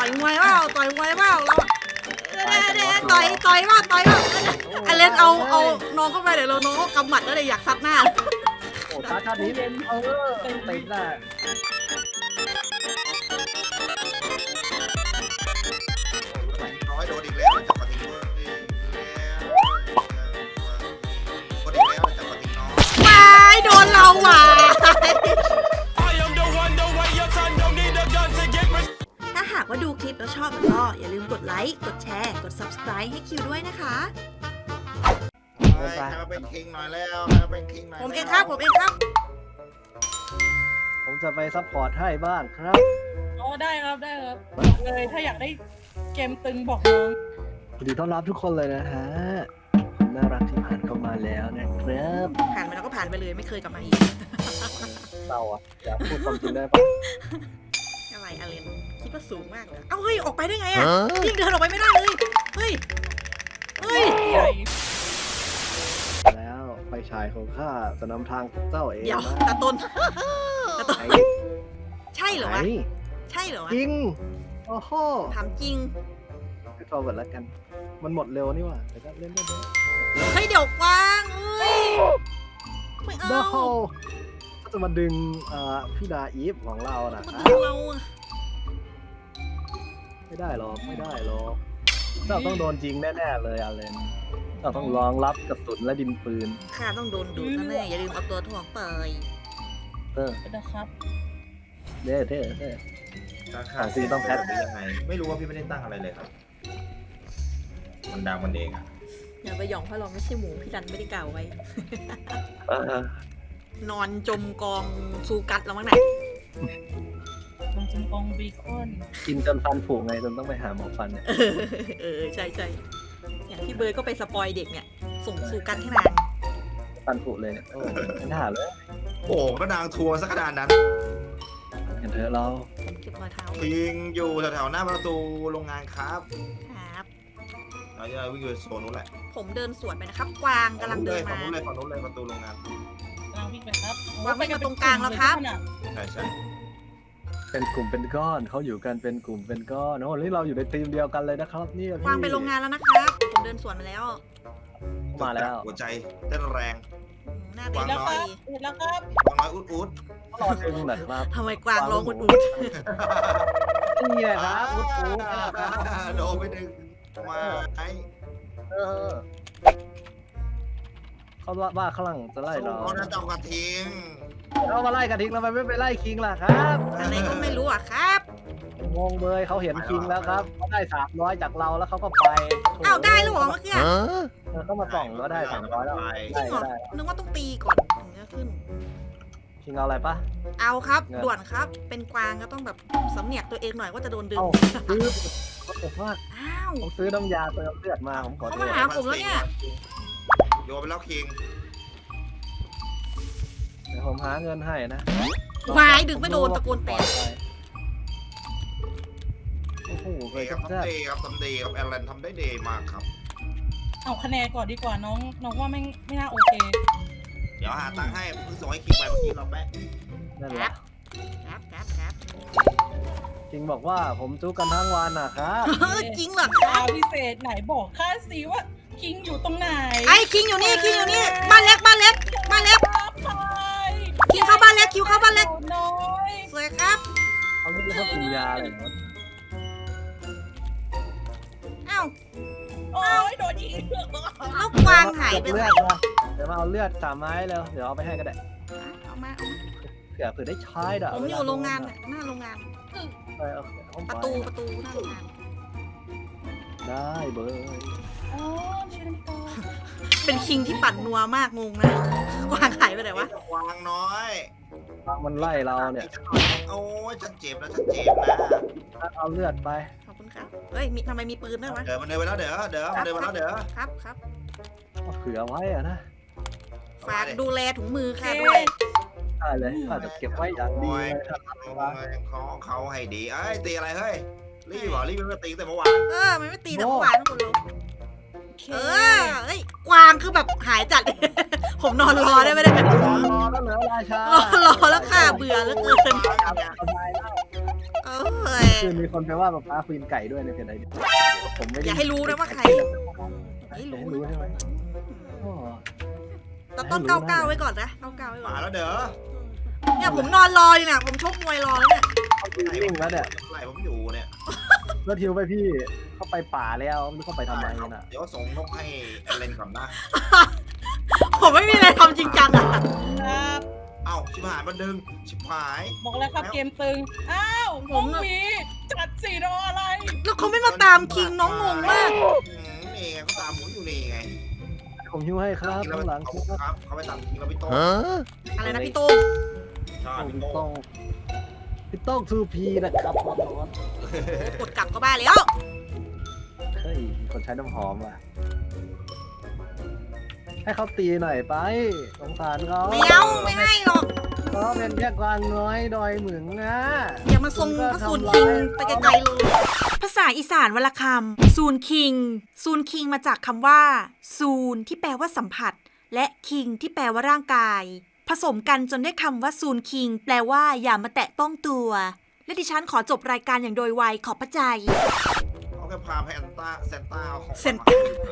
อยมวยเปล่าต่อยมวยเปล่าเราต่อยว่าไอเลนเอาน้องเข้าไปเดี๋ยวเราน้องเขากำหมัดแล้วเลยอยากซัดหน้าโอ้ตาชาตินี้เต็มได้น้อยโดนอีกแล้วจับปฏิทินคนอีกแล้วจับปฏิทินน้อยไม่โดนเราว่ะถ้าหากว่าดูคลิปแล้วชอบก็อย่าลืมกดไลค์กดแชร์กด subscribe ให้คิวด้วยนะคะใครมาเป็นคิงหน่อยแล้วใครมาเป็นคิงหน่อยผมเองครับผมจะไปซัพพอร์ตให้บ้างครับอ๋อได้ครับบอกเลยถ้าอยากได้เกมตึงบอกน้องยินดีต้อนรับทุกคนเลยนะฮะผมน่ารักที่ผ่านเข้ามาแล้วนะครับผ่านไปแล้วก็ผ่านไปเลยไม่เคยกลับมาอีกเราอะอยากพูดความจริงได้ปะอะไรอเลนคิดว่าสูงมากเอ้าเฮ้ยออกไปได้ไงอ่ะยิ่งเดินออกไปไม่ได้เลยเฮ้ยใหญ่แล้วไฟฉายของข้าจะนำทางเจ้าเองเดี๋ยวนะตาต้นไอ้ใช่เหรอวะไอ้ใช่เหรอวะจริงโอ้โหถามจริงไปฟอร์เวิร์ดแล้วกัน มันหมดเร็วนี่หว่าแต่ก็เล่นได้เลยเฮ้ยเดี๋ยวกว้างเอ้ยไม่เอาโอ้โหก็จะมาดึงพี่ดาอีฟของเรานะมันครัดึบงเราอะไม่ได้หรอกเจ้าต้องโดนจริงแน่ๆเลยอาเลนเจ้าต้องรองรับกระสุนและดินปืนข้าต้องโดนดูดแน่ๆอย่าลืมเอาตัวถ่วงไปนะครับเด้อการขาดซีต้องแพทได้ยังไงไม่รู้ว่าพี่ไม่ได้ตั้งอะไรเลยครับมันดังมันเองอ่ะอย่าไปหยองเพราะเราไม่ใช่หมูพี่ดันไม่ได้กล่าวไว้ นอนจมกองซูกัดแล้วมั้งไหนมันจะกองบีคอนกินจนฟันผุไงจนต้องไปหาหมอฟันเนี่ยใช่อย่างที่เบิร์ดก็ไปสปอยเด็กเนี่ยส่งซูกัดให้นางฟันผุเลยเนี่ยโอ้ไม่น่าเลยโอ้ก็นางทัวร์สักขนาดนั้นเห็นเถอะเราเก็บรอยเท้าคิงอยู่แถวๆหน้าประตูโรงงานครับครับเราจะวิ่งไปโซนนู้นแหละผมเดินสวนไปนะครับ กวางกำลังเดินฝั่มางนู้นเลยประตูโรงงานกำลังวิ่งไปครับวางไว้ตรงกลางแล้วครับใช่เป็นกลุ่มเป็นก้อนเขาอยู่กันเป็นกลุ่มเป็นก้อนโอ้นี่เราอยู่ในทีมเดียวกันเลยนะครับนี่วางไปโรงงานแล้วนะครับ ผมเดินสวนมาแล้วมาแล้วหัวใจเต้นแรงหน้าเด็เห็กนแล้วคไปรับเห็นแล้วครับวางน้อยอุดรอดึงหน่อยครับทำไมกวางร้องอุดนี่แหละครับอุ๊ดโดนไปดึงมาไอ้เออเขาว่าข้างหลังจะไล่เราเขาจะเจ้ากระทิงเขามาไล่กระทิงทำไมไม่ไปไล่คิงล่ะครับอะไรก็ไม่รู้อ่ะครับงงเลยเขาเห็นคิงแล้วครับเขาได้300จากเราแล้วเขาก็ไปอ้าวได้แล้วเหรอเมื่อกี้เขามาส่องก็ได้300แล้วจริงเหรอได้นึกว่าต้องตีก่อนถึงจะขึ้นคิงเอาอะไรปะเอาครับด่วนครับ เป็นกวางก็ต้องแบบสำเนียกตัวเองหน่อยว่าจะโดนดึงเอ้าซื้อผมว่าอ้าวผมซื้อน้ำยาเติมเลือดมาผมขอโทเขาษมาหาผมแล้วเนี่ยโยนไปแล้วคิงเดี๋ยวผมหาเงินให้นะวายดึงไม่โดนตะโกนแตกโอ้โหเคเดยย์คกัรับบ แจ๊ทำเดย์ครับทำเดย์ครับแอลเลนทำได้เดย์มากครับเอาคะแนนก่อนดีกว่าน้องว่าไม่น่าโอเคเดี๋ยวหาตังค์ให้เพิ่งส่งให้คิงไปเมื่อกี้เราแปะนั่นแหละครับคิงบอกว่าผมจุกกันทั้งวันนะครับจริงเหรอคดารับวพิเศษไหนบอกข้าสิว่าคิงอยู่ตรงไหนไอ้คิงอยู่นี่บ้านเล็กคิงเข้าบ้านเล็กคิวเข้าบ้านเล็กน้อยสวยครับเขาเรียกว่ากินยาเลยนะอ้าวโอ้ยโดนยิงแล้วกวางหายไปเลืไหนอดมาเดี๋ยวมาเอาเลือด3 ไม้แล้วเดี๋ยวเอาไปให้ก็ได้เอามาเผื่อได้ใช้ด่ะผมอยู่โรงงานน่ะหน้าโรงงาน ประตูหน้าโรงงานได้เบอร์อ๋อชิลโตเป็นคิงที่ปั่นนัวมากงงนะกวางหายไปไหนวะวางน้อยมันไล่เราเนี่ยโอ้ยฉันเจ็บนะเอาเลือดไปขอบคุณครับเฮ้ยทำไมมีปืนด้วยวะเดี๋ยวมันเดินไปแล้วเดี๋ยวมันเดินไปแล้วเดี๋ยวครับเอาเผื่อไว้อะนะฝากดูแลถุงมือค่ะด้วยได้เลยอาจจะเก็บไว้อย่างดีโอ้ยเลยของเขาให้ดีเอ้ยตีอะไรเฮ้ยรีบเหรอรีบไม่ตีแต่เมื่อวานมันไม่ตีแต่เมื่อวานนะคุณลุงเฮ้ยกวางคือแบบหายจัด ผมนอนรอได้ไม่ได้แบบรอแล้วเหลือราชารอแล้วค่ะเบื่อแล้วเกินสบายแล้วเอ้ยคือมีคนไปว่าป้าควีนไก่ด้วยในเพจไหนผมไม่อย่าให้รู้นะว่าใครไม่รู้ใช่ไหมอ๋อแต่ต้องเก้าเก้าไว้ก่อนนะเก้าเก้าไว้ก่อนมาแล้วเด้อเนี่ยผมนอนรออยู่เนี่ยผมชกมวยรอแล้วเนี่ยเขาจริงแล้วเนี่ยไหลผมอยู่เนี่ยแล้วทิวไปพี่เขาไปป่าแล้วไม่รู้เขาไปทำไมน่ะเดี๋ยวส่งนกให้เล่นก่อนนะผมไม่มีอะไรทำจริงจังอะครับเอ้าชิบหายมันดึงชิบหายบอกแล้วครับเกมตึง อ้าวผมมีจัดสีรออะไรแล้วเขาไม่มาตามคิงน้องงงมากนี่ไงเขาตามผมอยู่นี่ไงผมหิ้วให้ครับกินแล้วข้างหลังครับเขาไปตามกินเราไปโต้อะไรนะพี่โต้งใช่พี่พี่ต้โต้องพี่ต้องทูพีนะครับกดกลับก็บ้าแล้วเฮ้ยคนใช้น้ำหอมอ่ะให้เขาตีหน่อยไปสงสารเขาไม่เอาไม่ให้หรอกเขาเป็นแค่กวางน้อยดอยหมึงนะอย่ามาทรงพระสูนคิงไปไกลๆเลยภาษาอีสานวลคำซูนคิงซูนคิงมาจากคำว่าซูนที่แปลว่าสัมผัส และคิงที่แปลว่าร่างกาย ผสมกันจนได้คำว่าซูนคิงแปลว่าอย่ามาแตะต้องตัว และดิฉันขอจบรายการอย่างโดยไวขอบพระใจเขาแค่พาไปแอนต้าเซนต้าเอาของเซน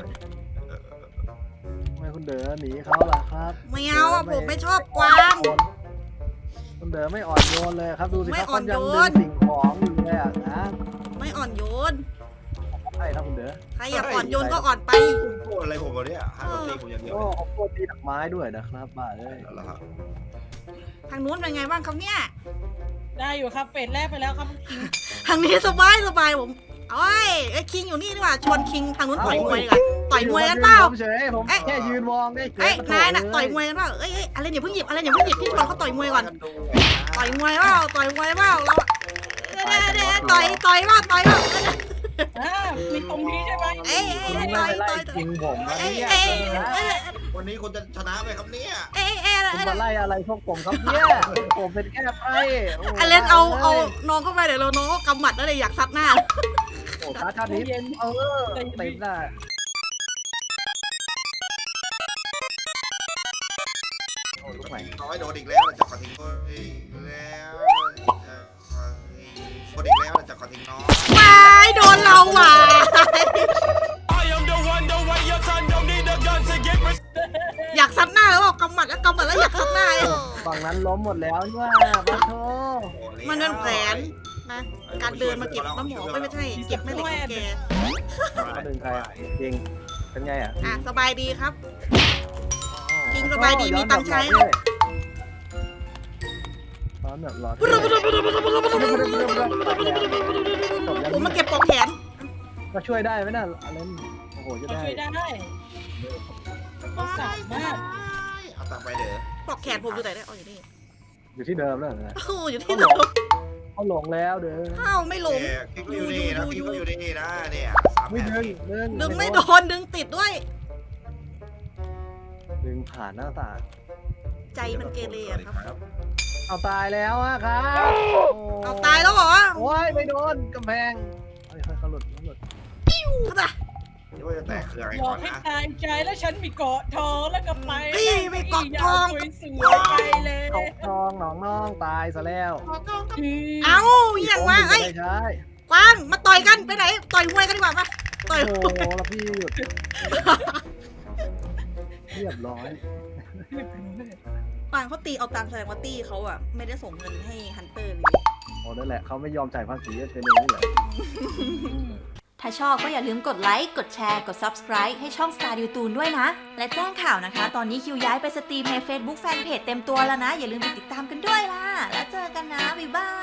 ทำไมคุณเด๋อหนีเขาล่ะครับไม่เอาอะผมไม่ชอบกวางคุณเด๋อไม่อ่อนโยนเลยครับดูสิไม่ครับอ่อนเขายังโยดึนงสิ่งของอยู่เลยอ่ะนะไม่อ่อนโยนใช่ครับคุณเด๋อใครอยากอ่อนโยนก็อ่อนไปคุณโกรธอะไรผมวะเนี่ยให้ผมตีผมอย่างเดียวโอ้เขาโคตรตีดอกไม้ด้วยนะครับบ้าเลยแล้วครับทางนู้นเป็นไงบ้างครับเนี่ยได้อยู่ครับเฟสแรกไปแล้วครับคิงทางนี้สบายผมเอ้ยไอ้คิงอยู่นี่ดีกว่าชวนคิงทางนู้นต่อยมวยดีกว่าต่อยมวยกันเปล่าผมเฉยผมแค่ยืนมองได้เฉเอ้ยยนายน่ะต่อยมวยกันเปล่าเอ้ยอะไรอย่าเพิ่งหยิบอะไรอย่าเพิ่งหยิบพี่ชวนเขาต่อยมวยก่อนต่อยมวยเปล่าต่อยมวยเปล่าเราต่อยเปล่ามีตรงนี้ใช่ไหมเอ้ยคุณไม่ต่อยไปไล่ยิงผมนะเอ้ยเนี่ยเอ้ยเอ้ยวันนี้คุณจะชนะไหมครับเนี่ยเอ้ยคุณมาไล่อะไรพวกผมครับเนี่ยผมเป็นแค่ไพ่อเลนเอาน้องเข้าไปเดี๋ยวเราน้องก็กำหมัดแล้วเลยอยากซัดหน้าโอ้ชาตินี้เต็มหน้า โอ้ลูกใหม่น้อยโดนอีกแล้วจะขอทิ้งอีกแล้วโดนอีกแล้วจะขอทิ้งน้องไม่โดนเราว่ะ อยากซัดหน้าแล้วบอกกำหมัดแล้วอยากซัดหน้าฝั่งนั้นล้มหมดแล้วนี่ว่าบ้าโธ่มันเป็นแผนนะการเดินมาเก็บน้ำหมอไม่ใช่เก็บแม่เหล็กของแกเขาดึงใครอ่ะจริงเป็นไงอ่ะอ่ะสบายดีครับ จริงสบายดีมีตังค์ใช้ร้อนแบบร้อนผมมาเก็บปลอกแขนก็ช่วยได้ไหมน่ะอะไรโอ้โหจะเราได้ช่วยได้เราสามารถเอาตามไปเด้อปลอกแขนผมอยู่ไหนเนี่ยอ๋ออยู่นี่อยู่ที่เดิมแล้วนะโอ้อยู่ที่เดิมเขาหลงแล้วเด้ออ้าวไม่หลงกิ๊กก็อยู่นี่นะกิ๊กก็อยู่นี่นะเนี่ยไม่ดึงดึงไม่โดนดึงติดด้วยดึงผ่านหน้าต่างใจมันเกเรอะครับเอาตายแล้วอะครับเอาตายแล้วเหรอโอ้ยไม่โดนกำแพงค่อยๆเขาหลุดเขาจะเดี๋ยวจะแตกเครื่องบก่ออก นให้นะตายใจแล้วฉันมีเกาะทองแล้วก็ไปไม่เกาะทองสวยๆไปเลยตกทองหนองน้องตายซะแล้วเอ้าอย่างว่าเอ้ยใช่กวางมาต่อยกันไปไหนต่อยมวยกันดีกว่าปะต่อยโอ้โหแล้วพี่หยุดเรียบร้อยกวางเขาตีเอาตังค์แสดงว่าตีเขาอะไม่ได้ส่งเงินให้ฮันเตอร์เลยโอ้นั่นแหละเขาไม่ยอมจ่ายภาษีเป็นอย่างนี้แหละถ้าชอบก็อย่าลืมกดไลค์ กดแชร์ กด Subscribe ให้ช่อง Star ดิวตูนด้วยนะ และแจ้งข่าวนะคะ ตอนนี้คิวย้ายไปสตรีมใน Facebook Fanpage เต็มตัวแล้วนะ อย่าลืมไปติดตามกันด้วยล่ะ แล้วเจอกันนะ บ๊ายบาย